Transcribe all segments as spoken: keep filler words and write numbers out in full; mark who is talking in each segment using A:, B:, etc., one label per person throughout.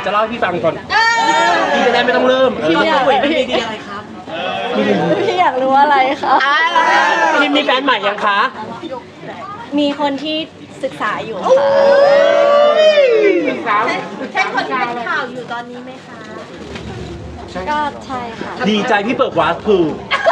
A: รือจะเล่าให้พี่ฟังก่อนพี่จะได้ไม่ต้องเริ่ม
B: พี่อยาก
A: พี่
B: พี่
A: ดีอะไรครับ
B: พี่อยากรู้อะไรคะ
A: พี่มีแฟนใหม่ยังคะ
B: มีคนที่ศึกษาอยู่ค่ะ
C: ใช่คนที่เป็นข่าวอยู่ตอนนี้ไหมคะ
B: ก็ใช่ค่ะ
A: ดีใจพี่เปิดวาร์ปคือ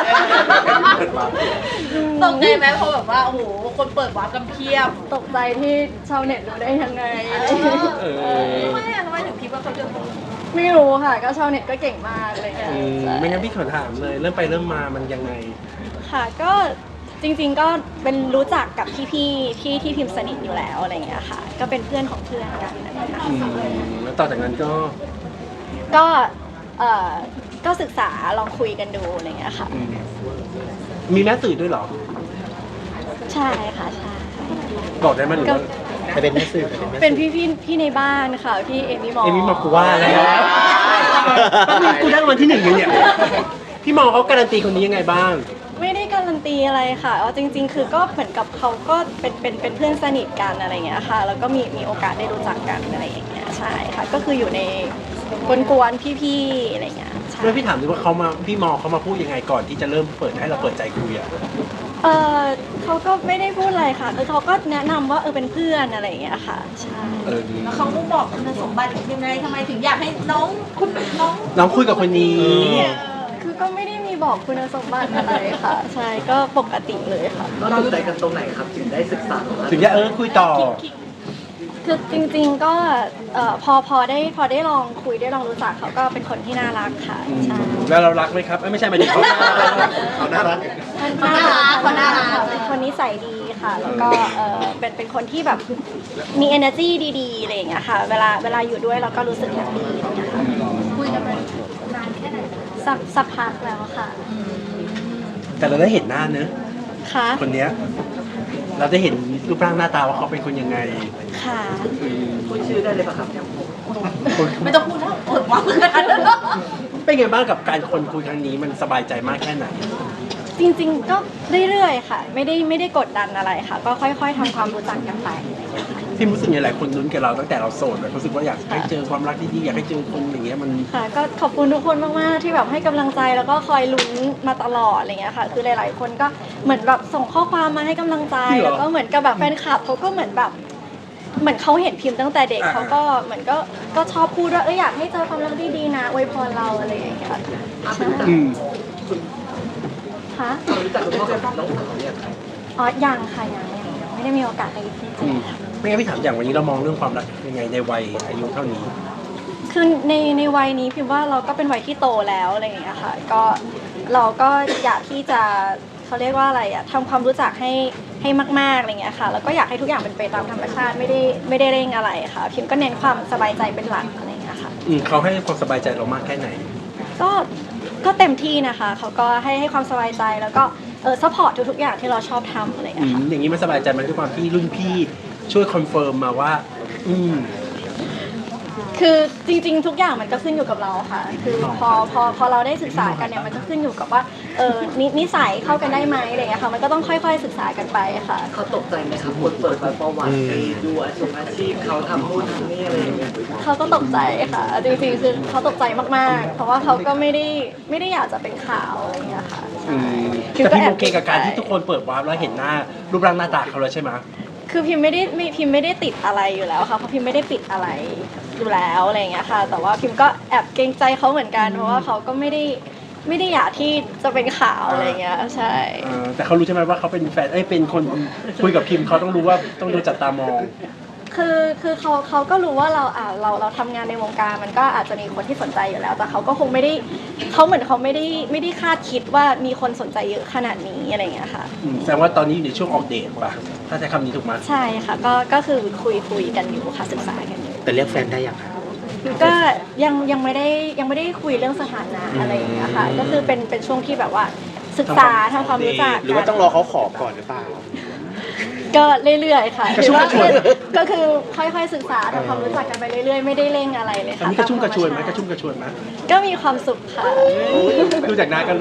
C: ตกใจไหมเพราะแบบว่าโอ้โหคนเปิดวาร์ปกันเพียบ
B: ตกใจที่ชาวเน็ตรู้ได้ยังไง
A: เออ
C: ทำไมอะทำไมถึงคิดว่าเขาจะ
B: ไม่รู้ค่ะ ก็ชาวเน็ตก็เก่งมากเลยค่ะ
A: อืมไม่งั้นพี่ขอถามเลย เริ่มไปเริ่มมามันยังไง
B: ค่ะก็จริงๆก็เป็นรู้จักกับพี่ๆที่ที่พิมพ์สนิทอยู่แล้วอะไรอย่างเงี้ยค่ะ ก็เป็นเพื่อนของเพื่อนกันอะไรอย่างเงี้ยค่ะ
A: อืมแล้วต่อจากนั้นก็
B: ก็เอ่อก็ศึกษาลองคุยกันดูอะไรอย่างเงี้ยค่ะ
A: อืมมีแม่สื่อด้วยเหรอ
B: ใช่ค่ะใช่
A: บอกได้ไหมหรือ
B: ก็
A: ว่าใครเป็นแม่สื่อ
B: เป็นพี่พี่พี่ในบ้านค่ะพี่เอมี่มอ
A: เอมี่มากูว่าแล้วตอนนี้กูได้รางวัลที่หนึ่งเลยเนี่ย พี่มองเขาการันตีคนนี้ยังไงบ้าง
B: ไม่ได้การันตีอะไรค่ะเอาจริง ๆ คือก็เหมือนกับเขาก็เป็นเป็นเป็นเพื่อนสนิทกันอะไรอย่างเงี้ยค่ะ แล้วก็มีมีโอกาสได้รู้จักกันอะไรอย่างเงี้ยใช่ค่ะก็คืออยู่ในกวนๆพี่ๆอะไรอย่างเงี้ยใช่
A: เมื่อพี่ถามดูว่าเขามาพี่มองเขามาพูดยังไงก่อนที่จะเริ่มเปิดให้เราเปิดใจคุยอ่ะ
B: เออเขาก็ไม่ได้พูดอะไรค่ะคือเขาก็แนะนำว่าเออเป็นเพื่อนอะไรอย่างเงี้ยค่ะใช่
A: เออดี
C: แล้วเขาบอกคุณสมบัติยังไงทำไมถึงอยากให้น้องคุณน้อง
A: น้องคุยกับคนนี้
B: คือก็ไม่ได้มีบอกคุณสมบัติอะไรค่ะ ใช่ก็ปกติเลยค่ะ
D: เราถูกใจกันตรงไหนครับถึงได้ศึกษา
A: ถึงจะเออคุยต่อ
B: คือจริงๆก็เอ่อพอพอได้พอได้ลองคุยได้ลองรู้จักเขาก็เป็นคนที่น่ารักค่ะใช่
A: แล้วเรารักไหมครับเอ้ยไม่ใช่หมายถึงเขา
D: เขาน่ารัก
B: น่ารักเขาน่ารักค่ะเป็นคนนิสัยดีค่ะ แล้วก็เออเป็นเป็นคนที่แบบมี energy ดีๆอะไรอย่างเงี้ยค่ะ เวลาเวลาอยู่ด้วยเราก็รู้สึกแฮปปี้อะไรอย่างเงี้ยค่ะ
C: คุยกันมานานแค่ไหน
B: สักสักพักแล้วค่ะ
A: แต่เราได้เห็นหน้าเนอะ
B: ค่ะ
A: คนเนี้ยเราได้เห็นรูปร่างหน้าตาว่าเขาเป็นคนยังไง
B: ค่ะ
D: พูดชื่อได้เลยป่ะครับ
C: ไม่ต้องพูดแล้วเปิดวาร์ปกัน
A: เป็นไงบ้างกับการคนคุยครั้งนี้มันสบายใจมากแค่ไหน
B: จริงๆก็เรื่อยๆค่ะ ไม่ได้ไม่ได้กดดันอะไรค่ะ ก็ค่อย ๆทำความรู้จักกันไป
A: ที่รู้สึกยังไงหลายคนลุ้นกับเราตั้งแต่เราโสดแบบรู้สึกว่าอยากให้เจอความรักที่ดีอยากให้เจอคนอย่างเงี้ยมัน
B: ค่ะก็ขอบคุณทุกคนมากๆที่แบบให้กำลังใจแล้วก็คอยลุ้นมาตลอดอะไรเงี้ยค่ะ คือหลาย ๆ คนก็เหมือนแบบส่งข้อความมาให้กำลังใจ
A: จริงเหรอ
B: แล้วก็เหมือนกับแบบแฟนคลับเขาก็เหมือนแบบเหมือนเขาเห็นพิมพ์ตั้งแต่เด็ก
A: อ่า
B: เขาก็เหมือนก็ก็ชอบพูดว่าเอออยากให้เจอความรักดีๆนะอวยพรเราอะไรอย่างเงี้ยใช่
A: อืม
B: ค่ะ
D: รู้จักกับพ่อกับน้องสาวเนี่ยครับ
B: อ๋อยังค่ะยังยังยังไม่ได้มีโอกาสได้ได้เจ
A: อื
B: อ
A: ม
B: ค่ะ
A: ไม่งั้นพี่ถามอย่างวันนี้เรามองเรื่องความรักยังไงในวัยอายุเท่านี้
B: คือในในวัยนี้พิมพ์ว่าเราก็เป็นวัยที่โตแล้วอะไรอย่างเงี้ยค่ะก็เราก็อยากที่จะเขาเรียกว่าอะไรอะทำความรู้จักให้ให้มากๆอะไรเงี้ยค่ะแล้วก็อยากให้ทุกอย่างเป็นไปตามธรรมชาติไม่ได้ไม่ได้เร่งอะไรค่ะพิมก็เน้นความสบายใจเป็นหลักอะไรเงี้ยค่ะ
A: อืมเขาให้ความสบายใจเรามากแค่ไหน
B: ก็ก็เต็มที่นะคะเขาก็ให้ให้ความสบายใจแล้วก็เออซัพพอร์ตทุกๆอย่างที่เราชอบทำอะไร
A: อื
B: เงี้ย
A: ม
B: ค่ะ
A: อย่างนี้มันสบายใจไหมันด้วยความที่รุ่นพี่ช่วยคอนเฟิร์มมาว่า อืม
B: คือจริงๆ ทุกอย่างมันก็ขึ้นอยู่กับเราค่ะ คือพอพอพอเราได้ศึกษากันเนี่ยมันก็ขึ้นอยู่กับว่าเออนินิสัยเข้ากันได้ไหมอะไรเงี้ยค่ะมันก็ต้องค่อยๆศึกษากันไปค่ะ
D: เขาตกใจไหมครับคนเปิดประวัติดูอาชีพอาชีพเขาทำนู่นทำนี่อะไรอย่างเงี้ย
B: เขาก็ตกใจค่ะ จริงๆ คือเขาตกใจมากๆ เพราะว่าเขาก็ไม่ได้ไม่ได้อยากจะเป็นข่าวอะไรเงี้ยค่ะ
A: อื
B: ใช่
A: ม
B: พิม
A: แต่
B: ก็
A: พี่
B: แอบ
A: โอเคกับการที่ทุกคนเปิดวาร์ปแล้วเห็นหน้ารูปร่างหน้าตาเขาแล้วใช่ไหม
B: คือพิมไม่ได้ไม่พิมไม่ได้ติดอะไรอยู่แล้วค่ะ เพราะพิมไม่ได้ปิดอะไรอยู่แล้วอะไรเงี้ยค่ะ แต่ว่าพิมก็แอบเกรงใจเขาเหมือนกัน เพราะว่าเขาก็ไม่ได้ไม่ได้อยากที่จะเป็นข่าวอะไรเงี้ย ใช่
A: เออแต่เขารู้ใช่ไหมว่าเขาเป็นแฟนเอ้ยเป็นคนคุยกับพิมพ์เขาต้องรู้ว่าต้องโดนจับตามอง
B: คือคือเขาเขาก็รู้ว่าเราอ่าเราเราทำงานในวงการมันก็อาจจะมีคนที่สนใจอยู่แล้ว แต่เขาก็คงไม่ได้เขาเหมือนเขาไม่ได้ไม่ได้คาดคิดว่ามีคนสนใจเยอะขนาดนี้อะไรเงี้ยค่ะ
A: อืมแสดงว่าตอนนี้อยู่ในช่วงออกเดทป่ะ ถ้าใช้คำนี้ถูกไหม
B: ใช่ค่ะ ก็ก็คือคุยคุยกันอยู่ค่ะศึกษากันอยู่
D: แต่เรียกแฟนได้ยังครับ
B: ก็ยังยังไม่ได้ยังไม่ได้คุยเรื่องสถานะอะไรอย่างเงี้ยค่ะ ก็คือเป็นเป็นช่วงที่แบบว่าศึกษาทำความรู้จัก
D: หรือว่าต้องรอเขาขอก่อนหรือเปล่า
B: ก็เรื่อยๆค่ะคือว่าก็คือค่อยๆศึกษาทำความรู้จักกันไปเรื่อยๆ ไม่ได้เร่งอะไรเลย
A: อัน
B: ค่ะ
A: นี้กระชุ่มกระชวยไหมกระชุ่มกระชวยไหม
B: ก็มีความสุขค่ะ
A: ดูจากหน้าก็รู้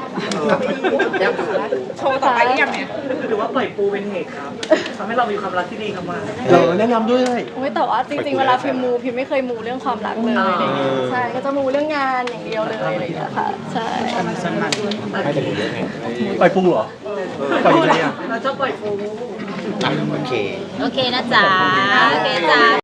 E: โชว์ต่อไปหรือยังเนี่ย
D: หรือว่าปล่อยปูเป็นเหตุครับทำให้เรามีความรักที่ดีครับมา
A: เออแนะนำด้วย
B: โอ้ยแต่ว่าจริงๆ เวลาพิมพ์มูพิมไม่เคยมูเรื่องความรักเลยอะไรอย่างเงี้ยใช่ ก็จะมูเรื่องงานอย่างเดียวเลยอะไรอย่างเงี้ยค่ะ ใช่
A: ปล่อยปูเหรอปล่อยยังไงอ่ะ
D: เราจะปล่อยปู
F: โอเค
C: โอเคนะจ๊ะ โอเคจ้า